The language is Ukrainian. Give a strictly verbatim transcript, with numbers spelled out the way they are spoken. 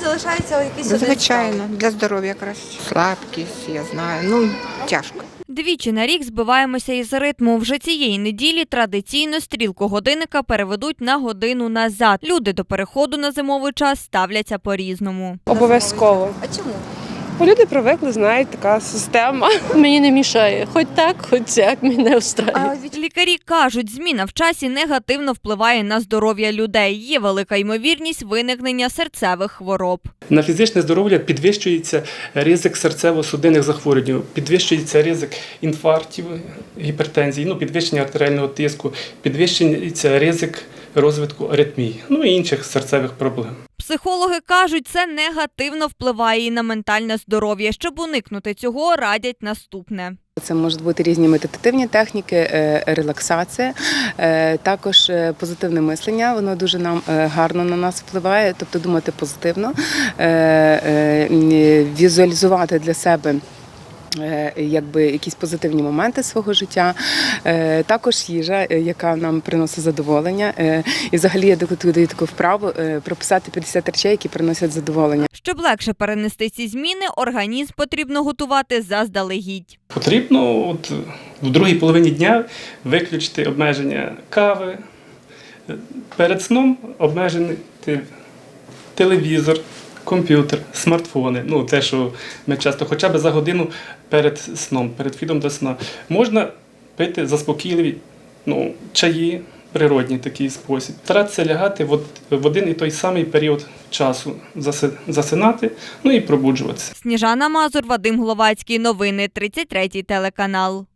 залишається якийсь один Звичайно, стан? для здоров'я краще. Слабкість, я знаю, ну тяжко. Двічі на рік збиваємося із ритму. Вже цієї неділі традиційно стрілку годинника переведуть на годину назад. Люди до переходу на зимовий час ставляться по-різному. Обов'язково. А чому? Бо люди привикли, знають, така система. Мені не мішає. Хоч так, хоч як, мене встраює. А від Лікарі кажуть, зміна в часі негативно впливає на здоров'я людей. Є велика ймовірність виникнення серцевих хвороб. На фізичне здоров'я підвищується ризик серцево-судинних захворювань, підвищується ризик інфарктів, гіпертензії, ну, підвищення артеріального тиску, підвищується ризик розвитку аритмій, ну і інших серцевих проблем. Психологи кажуть, це негативно впливає і на ментальне здоров'я. Щоб уникнути цього, радять наступне. Це можуть бути різні медитативні техніки, е, релаксація, е, також е, позитивне мислення, воно дуже нам е, гарно на нас впливає, тобто думати позитивно, е, е, візуалізувати для себе е, якби якісь позитивні моменти свого життя, е, також їжа, е, яка нам приносить задоволення. Е, і взагалі я даю таку вправу е, прописати п'ятдесят речей, які приносять задоволення. Щоб легше перенести ці зміни, організм потрібно готувати заздалегідь. Потрібно от, в другій половині дня виключити обмеження кави, перед сном обмежити телевізор, комп'ютер, смартфони, ну те, що ми часто, хоча б за годину перед сном, перед вхідом до сна. Можна пити заспокійливі ну, чаї, природній такий спосіб. Старатися лягати в, в один і той самий період часу, засинати, ну і пробуджуватися. Сніжана Мазур, Вадим Гловацький. Новини тридцять третій телеканал.